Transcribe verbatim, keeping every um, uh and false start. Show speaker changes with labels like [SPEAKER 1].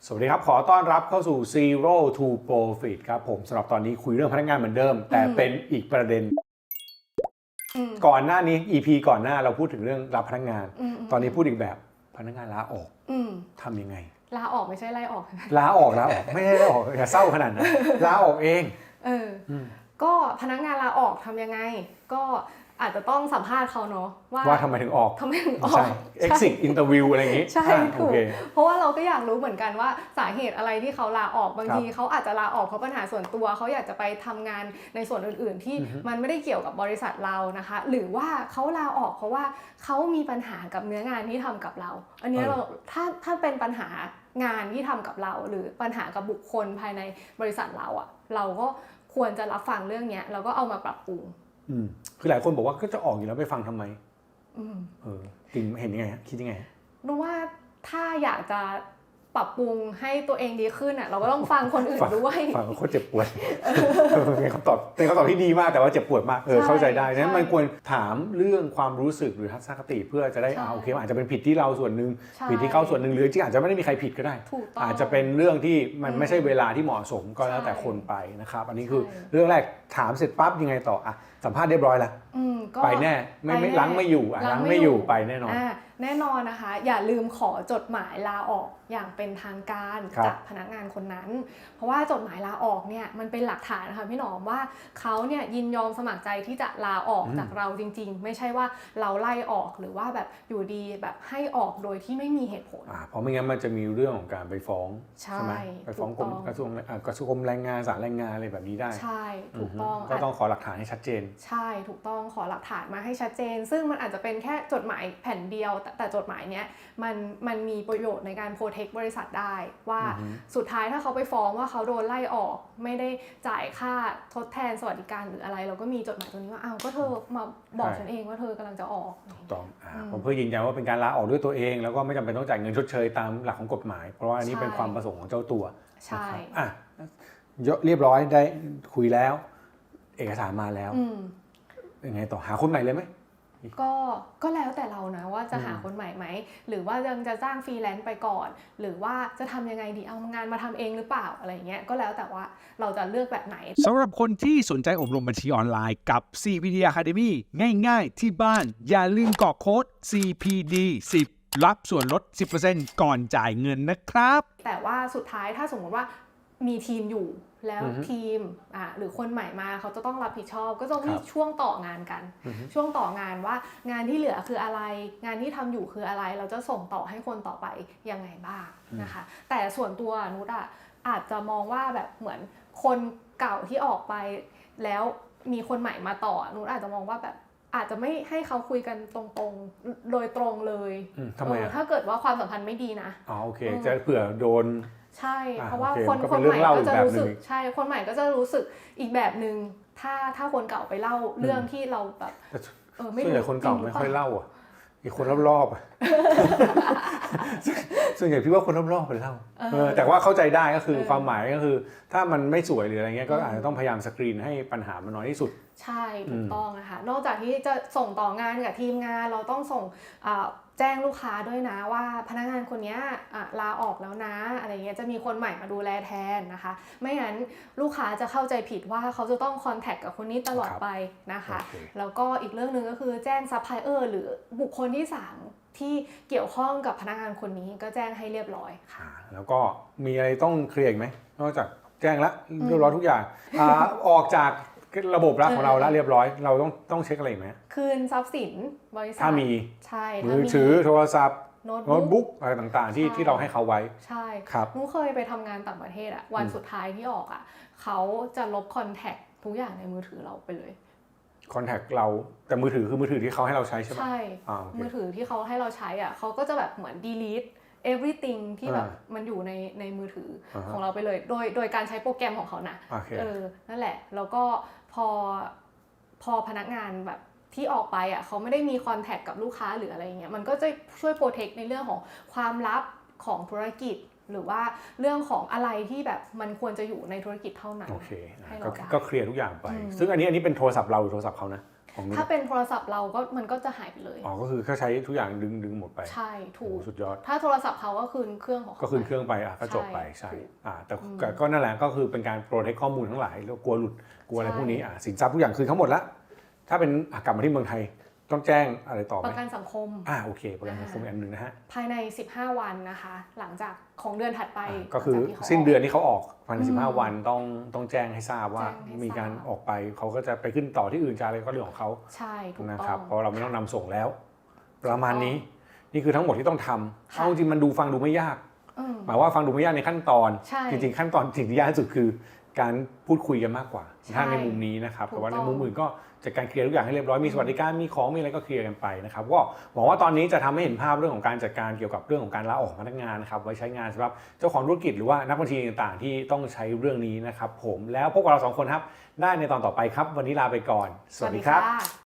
[SPEAKER 1] สวัสดีครับขอต้อนรับเข้าสู่ Zero to Profit ครับผมสำหรับตอนนี้คุยเรื่องพนักงานเหมือนเดิมแต่เป็นอีกประเด็นก่อนหน้านี้ อี พี ก่อนหน้าเราพูดถึงเรื่องรับพนักงานตอนนี้พูดอีกแบบพนักงานลาออกทำยังไง
[SPEAKER 2] ลาออกไม่ใช่ไล่ออก
[SPEAKER 1] ลาออกลาออกไม่ได้ลาออกอย่าเศร้าขนาดนั้นลาออกเอง
[SPEAKER 2] เออก็พนักงานลาออกทำยังไงก็อาจจะต้องสัมภาษณ์เขาเนาะ
[SPEAKER 1] ว่าว่าทำไมถึงออก
[SPEAKER 2] ทำไมถึงออก
[SPEAKER 1] exit interview อะไรอย่างงี้
[SPEAKER 2] ใช่ถูกเพราะว่าเราก็อยากรู้เหมือนกันว่าสาเหตุอะไรที่เขาลาออกบางทีเขาอาจจะลาออกเพราะปัญหาส่วนตัวเขาอยากจะไปทำงานในส่วนอื่นๆที่มันไม่ได้เกี่ยวกับบริษัทเรานะคะหรือว่าเขาลาออกเพราะว่าเขามีปัญหากับเนื้องานที่ทำกับเราอันนี้เราถ้าถ้าเป็นปัญหางานที่ทำกับเราหรือปัญหากับบุคคลภายในบริษัทเราอะเราก็ควรจะรับฟังเรื่องนี้แล้วก็เอามาปรับปรุง
[SPEAKER 1] อืมคือหลายคนบอกว่าก็จะออกอยู่แล้วไปฟังทำไมอืมเออจริงเห็นยังไงคิดยังไง
[SPEAKER 2] รู้ว่าถ้าอยากจะปรับปรุงให้ตัวเองดีขึ้นอ่ะเราก็ต้องฟังคนอื่นด้วย
[SPEAKER 1] ฟังคนเจ็บปวดเป็นคำตอบเป็นคำตอบที่ดีมากแต่ว่าเจ็บปวดมากเออเข้าใจได้นั้นมันควรถามเรื่องความรู้สึกหรือทัศนคติเพื่อจะได้อ่าโอเคอาจจะเป็นผิดที่เราส่วนหนึ่งผิดที่เขาส่วนหนึ่งหรือจริงอาจจะไม่ได้มีใครผิดก็ได้อาจจะเป็นเรื่องที่มันไม่ใช่เวลาที่เหมาะสมก็แล้วแต่คนไปนะครับอันนี้คือเรื่องแรกถามเสร็จปั๊บยังไงต่ออ่ะสัมภาษณ์เรียบร้อยแล้วไปแน่ไม่ไม่ล้างไม่อยู่อ่ะล้างไม่อยู่ไปแน่นอน
[SPEAKER 2] แน่นอนนะคะอย่าลืมขอจดหมายลาออกอย่างเป็นทางการจากพนักงานคนนั้นเพราะว่าจดหมายลาออกเนี่ยมันเป็นหลักฐานนะคะพี่หนอมว่าเขาเนี่ยยินยอมสมัครใจที่จะลาออกจากเราจริงๆไม่ใช่ว่าเราไล่ออกหรือว่าแบบอยู่ดีแบบให้ออกโดยที่ไม่มีเหตุผล
[SPEAKER 1] อ่าเพราะไม่งั้นมันจะมีเรื่องของการไปฟ้อง
[SPEAKER 2] ใช่
[SPEAKER 1] ไหมไปฟ้องกรมกระทรวงกระทรวงแรงงานศาลแรงงานอะไรแบบนี้ได้
[SPEAKER 2] ใช่ถูกต้อง
[SPEAKER 1] ก็ต้องขอหลักฐานให้ชัดเจน
[SPEAKER 2] ใช่ถูกต้องขอหลักฐานมาให้ชัดเจนซึ่งมันอาจจะเป็นแค่จดหมายแผ่นเดียวแต่แต่จดหมายเนี้ยมันมันมีประโยชน์ในการโปรเทคบริษัทได้ว่าสุดท้ายถ้าเขาไปฟ้องว่าเขาโดนไล่ออกไม่ได้จ่ายค่าทดแทนสวัสดิการหรืออะไรเราก็มีจดหมายตัวนี้ว่าอ้าวก็เธอมาบอกฉันเองว่าเธอกำลังจะออก
[SPEAKER 1] ถูกต้องอ่าผมเพื่อยืนยันว่าเป็นการลาออกด้วยตัวเองแล้วก็ไม่จำเป็นต้องจ่ายเงินชดเชยตามหลักของกฎหมายเพราะว่าอันนี้เป็นความประสงค์ของเจ้าตัว
[SPEAKER 2] ใช่
[SPEAKER 1] อ่ะเรียบร้อยได้คุยแล้วเอกสารมาแล้วยังไงต่อหาคนใหม่เลยไหม
[SPEAKER 2] ก็ก็แล้วแต่เรานะว่าจะหาคนใหม่ไหมหรือว่ายังจะจ้างฟรีแลนซ์ไปก่อนหรือว่าจะทำยังไงดีเอางานมาทำเองหรือเปล่าอะไรเงี้ยก็แล้วแต่ว่าเราจะเลือกแบบไหน
[SPEAKER 3] สำหรับคนที่สนใจอบรมบัญชีออนไลน์กับ ซี พี ดี Academy ง่ายๆที่บ้านอย่าลืมกรอกโค้ด ซี พี ดี สิบ รับส่วนลด สิบเปอร์เซ็นต์ ก่อนจ่ายเงินนะครับ
[SPEAKER 2] แต่ว่าสุดท้ายถ้าสมมติว่ามีทีมอยู่แล้วทีมอ่าหรือคนใหม่มาเขาจะต้องรับผิดชอบก็ต้องมีช่วงต่องานกันช่วงต่องานว่างานที่เหลือคืออะไรงานที่ทำอยู่คืออะไรเราจะส่งต่อให้คนต่อไปยังไงบ้างนะคะแต่ส่วนตัวนุชอ่ะอาจจะมองว่าแบบเหมือนคนเก่าที่ออกไปแล้วมีคนใหม่มาต่อนุชอาจจะมองว่าแบบอาจจะไม่ให้เขาคุยกันตรงๆโดยตรงเลย
[SPEAKER 1] ทำไม
[SPEAKER 2] ถ้าเกิดว่าความสัมพันธ์ไม่ดีนะ
[SPEAKER 1] อ๋อโอเคจะเผื่อโดน
[SPEAKER 2] ใช่เพราะว่าคนคนใหม่ก็จะรู้สึกใช่คนใหม่ก็จะรู้สึกอีกแบบนึงถ้าถ้าคนเก่าไปเล่าเรื่องที่เราแบบ
[SPEAKER 1] เออไม่รู้ส่วนใหญ่คนเก่าไม่ค่อยเล่าอ่ะอีกคนรอบๆอ่ะส่วนใหญ่พี่ว่าคนรอบๆไปเล่าแต่ว่าเข้าใจได้ก็คือความหมายก็คือถ้ามันไม่สวยหรืออะไรเงี้ยก็อาจจะต้องพยายามสกรีนให้ปัญหามันน้อยที่สุด
[SPEAKER 2] ใช่ถูกต้องนะคะนอกจากที่จะส่งต่องานกับทีมงานเราต้องส่งแจ้งลูกค้าด้วยนะว่าพนักงานคนนี้ลาออกแล้วนะอะไรเงี้ยจะมีคนใหม่มาดูแลแทนนะคะไม่งั้นลูกค้าจะเข้าใจผิดว่าเขาจะต้องคอนแทคกับคนนี้ตลอดไปนะคะแล้วก็อีกเรื่องนึงก็คือแจ้งซัพพลายเออร์หรือบุคคลที่สามที่เกี่ยวข้องกับพนักงานคนนี้ก็แจ้งให้เรียบร้อยค่ะ
[SPEAKER 1] แล้วก็มีอะไรต้องเคลียร์อีกไหมนอกจากแจ้งละเรียบร้อยทุกอย่างออกจากระบบรักของเราแล้วเรียบร้อยเราต้องต้องเช็คอะไรไหม
[SPEAKER 2] คืนทรัพย์สินบริษัท
[SPEAKER 1] ถ้ามี
[SPEAKER 2] ใช่
[SPEAKER 1] มือถือโทรศัพท์โน้ตบุ๊กอะไรต่างๆที่ที่เราให้เขาไว้
[SPEAKER 2] ใช่ครับนุ้เคยไปทำงานต่างประเทศอะวันสุดท้ายที่ออกอะเขาจะลบคอนแทคทุกอย่างในมือถือเราไปเลย
[SPEAKER 1] คอนแทคเราแต่มือถือคือมือถือที่เขาให้เราใช้ใช่ไหม
[SPEAKER 2] ใช่มือถือที่เขาให้เราใช้อะเขาก็จะแบบเหมือน delete everything ที่แบบมันอยู่ในในมือถือของเราไปเลยโดยโดยการใช้โปรแกรมของเขานะเออนั่นแหละแล้วก็พอพอพนักงานแบบที่ออกไปอ่ะเขาไม่ได้มีคอนแทคกับลูกค้าหรืออะไรเงี้ยมันก็จะช่วยโปรเทคในเรื่องของความลับของธุรกิจหรือว่าเรื่องของอะไรที่แบบมันควรจะอยู่ในธุรกิจเท่านั้น
[SPEAKER 1] โอเคก็เคลียร์ทุกอย่างไปซึ่งอันนี้อันนี้เป็นโทรศัพท์เราหรือโทรศัพท์เขานะของนู้น
[SPEAKER 2] ถ้าเป็นโทรศัพท์เราก็มันก็จะหายไปเลย
[SPEAKER 1] อ๋อก็คือเขาใช้ทุกอย่างดึงดึงหมดไป
[SPEAKER 2] ใช่ถูก
[SPEAKER 1] โอ้สุดยอด
[SPEAKER 2] ถ้าโทรศัพท์เขาก็คืนเครื่องของเขา
[SPEAKER 1] ก็คืนเครื่องไปอ่ะก็จบไป
[SPEAKER 2] ใช่
[SPEAKER 1] ใช่
[SPEAKER 2] ถูก
[SPEAKER 1] อ่าแต่
[SPEAKER 2] อืม
[SPEAKER 1] ก็ก็นั่นแหละก็คือเป็นการโปรเทคข้อมูลทั้งหลายแล้วกลัวหลุดกลัวอะไร
[SPEAKER 2] ใช่
[SPEAKER 1] พวกนี้อ่าสินทรัพย์ทุกอย่างคืนทั้งหมดละถ้าเป็นอ่ะกลับมาที่เมืองไทยต้องแจ้งอะไรต่อไห
[SPEAKER 2] ป
[SPEAKER 1] ม
[SPEAKER 2] ระกันสังคม
[SPEAKER 1] อ่าโอเคประกันสังคมอีกอันหนึ่งนะฮะ
[SPEAKER 2] ภายในสิบห้าวันนะคะ หลังจากของเดือนถัดไป
[SPEAKER 1] อ่าก็คือ
[SPEAKER 2] หลังจากที่ขา
[SPEAKER 1] สิ้นเดือนที่เขาออกภายใน
[SPEAKER 2] อืม
[SPEAKER 1] สิบห้าวันต้องต้องแจ้งให้ทราบว่า
[SPEAKER 2] แจ้งให้
[SPEAKER 1] มีการ
[SPEAKER 2] ทราบ
[SPEAKER 1] ออกไปเขาก็จะไปขึ้นต่อที่อื่นจะอะไรก็เรื่องของเขา
[SPEAKER 2] ใช่ถูก
[SPEAKER 1] นะ
[SPEAKER 2] ต้
[SPEAKER 1] ครั
[SPEAKER 2] อบ ง
[SPEAKER 1] เพราะเราไม่ต้องนำส่งแล้ว ประมาณนี้ นี่คือทั้งหมดที่ต้องทำ
[SPEAKER 2] ค่ะ
[SPEAKER 1] เอาจริงๆมันดูฟังดูไม่ยาก
[SPEAKER 2] อืม
[SPEAKER 1] หมายว่าฟังดูไม่ยากในขั้นตอน
[SPEAKER 2] ใช่
[SPEAKER 1] จริงๆขั้นตอนสิ่งที่ยากที่สุดคือการพูดคุยกันมากกว่า
[SPEAKER 2] ใช่
[SPEAKER 1] ถ้าในมุมนี้นะครับ
[SPEAKER 2] ถูก
[SPEAKER 1] แต่ว่าใน
[SPEAKER 2] ต้อง
[SPEAKER 1] มุมอื่นก็จัดการเคลียร์ทุกอย่างให้เรียบร้อยมีสวัสดิการมีของมีอะไรก็เคลียร์กันไปนะครับก็หวังว่าตอนนี้จะทำให้เห็นภาพเรื่องของการจัดการเกี่ยวกับเรื่องของการลาออกของพนักงานนะครับไว้ใช้งานสำหรับเจ้าของธุรกิจหรือว่านักบัญชีต่างๆ ที่ต้องใช้เรื่องนี้นะครับผมแล้วพบกับเราสองคนครับได้ในตอนต่อไปครับ วันนี้ลาไปก่อน สวัสดีครับ
[SPEAKER 2] ค่ะ